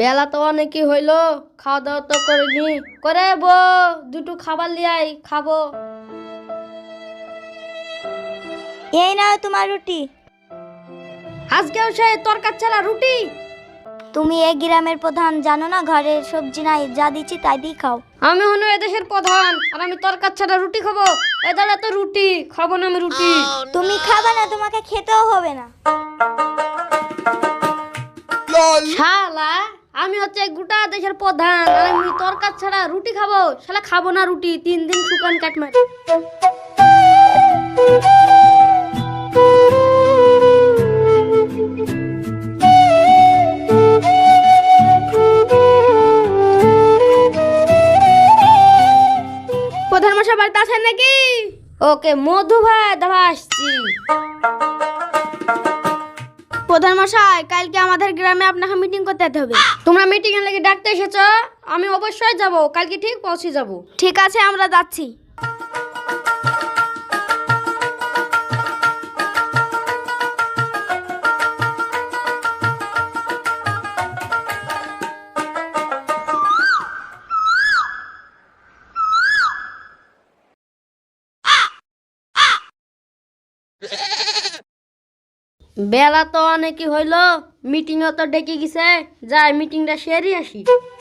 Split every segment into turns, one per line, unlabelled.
বেলা তো অনেকই হইলো, খাওয়া দাওয়া তো করিনি। করে বউ দুটো খাবার লিয়াই, খাবো।
এই নাও তোমার রুটি।
আজকেও সেই তরকার ছাড়া রুটি?
তুমি এই গ্রামের প্রধান, জানো না ঘরের সবজি নাই, যা দিচ্ছি তাই দিয়ে খাও।
আমি হলো এদেশের প্রধান আর আমি তরকার ছাড়া রুটি খাবো? এ দাঁড়া তো রুটি খাবো না আমি রুটি।
তুমি খাবে না, তোমাকে খেতেও হবে না।
শালা আমি হচ্ছে গোটা দেশের প্রধান আর আমি তরকার ছাড়া রুটি খাবো? শালা খাবো না রুটি, 3 দিন শুকান কাট মারি। প্রধান মশাই বাড়িতে আছেন নাকি? ওকে মধু ভাই, দাঁড়া আসছি। প্রধান মশাই, কালকে আমাদের গ্রামে আপনাকে মিটিং করতে যেতে হবে। তোমরা মিটিং এর লাগি ডাকতে এসেছো? আমি অবশ্যই যাব, কালকে ঠিক পৌঁছে যাব। ঠিক আছে, আমরা যাচ্ছি। বেলা তো অনেকই হইলো, মিটিংও তো ডেকে গেছে, যাই মিটিংটা সেরে আসি।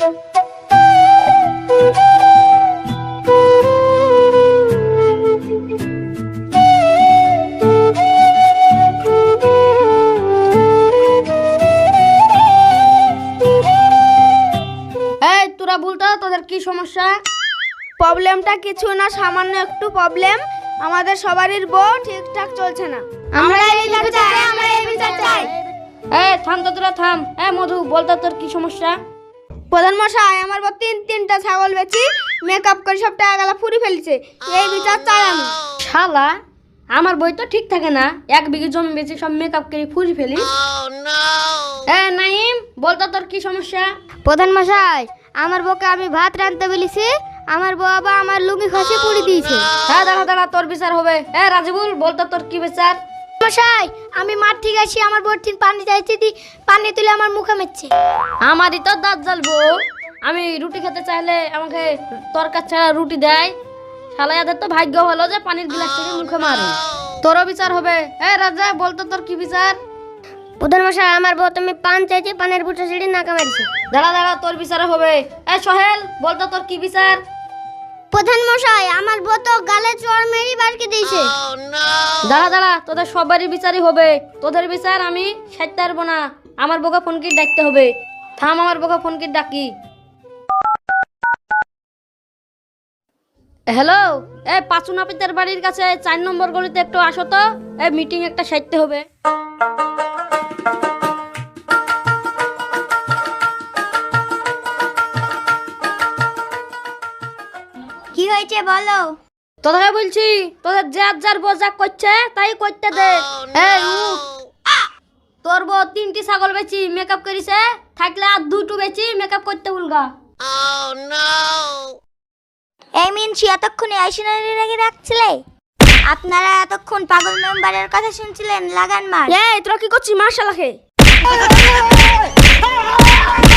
এই তোরা বলতো তোদের কি সমস্যা? প্রবলেমটা কিছু না, সামান্য একটু প্রবলেম। আমাদের সবারই বউ ঠিকঠাক চলছে না।
আমরা এই বিচার চাই, আমরা এই বিচার চাই।
এই থাম তো, তোরা থাম। মধু বলতো তোর কি সমস্যা?
প্রধান মশাই, আমার বউ তিনটা ছাগল বেচি মেকআপ করে সব টাকা গালা ফুরি ফেলছে, এই বিচার চাই আমি।
শালা আমার বই তো ঠিক থাকে না, 1 বিঘে জমি বেচে সব মেকআপ করে ফুরি ফেলি। নাইম বলতো তোর কি সমস্যা?
প্রধান মশাই, আমার বউকে আমি ভাত রাঁধতে বলেছি, আমার বউ আবার আমার লুঙ্গি খসে পুড়ি দিয়েছে।
দাঁড়া দাঁড়া, তোর বিচার হবে। রাজিবুল বলতো তোর কি বিচার?
মশাই, আমি মাঠ থেকে আসি, আমার বউর ঠিক পানি চাইছি, পানি তুলে আমার মুখে মেরছে।
আমারই তো দাঁত জ্বালবো। আমি রুটি খেতে চাইলে আমাকে তরকার ছাড়া রুটি দেয়। শালা এদের তো ভাগ্য হলো যে পানির গ্লাস থেকে মুখে মারে। তোরও বিচার হবে। রাজা বলতো তোর কি বিচার?
প্রধান মশাই, আমার বউ তুমি পান চাইছে, পানের বুটা ছিঁড়ে নাকা মারছে।
দাঁড়া দাঁড়া, তোর বিচার হবে। সোহেল বলতো তোর কি বিচার?
প্রধান মশাই, আমার বউ তো গালে চড় মেরি বাড়কে দিয়েছে।
দাঁড়া দাঁড়া, তোদের সবারই বিচারই হবে। তোদের বিচার আমি সাইতে পারবো না, আমার বোকা ফোনকে ডাকতে হবে। থাম, আমার বোকা ফোনকে ডাকি। হ্যালো, পাঁচু নাপিতের বাড়ির কাছে 4 নম্বর গলিতে একটু আসো তো, মিটিং একটা সাইতে হবে।
কি হয়েছে বলো?
তোদেরকে বলছি, তোদের যার বোঝা করছে তাই করতে দে। তোর বউ 3টি ছাগল বেচি মেকআপ করিছে, থাকলে আর 2টো বেচি মেকআপ করতে উলগা।
এই মিনছি, এতক্ষণে আইসিনারি রেখে রাখছিলে? আপনারা এতক্ষণ পাগল মেম্বারের কথা শুনছিলেন, লাগান মার।
তোরা কি করছিস? মার শালাকে।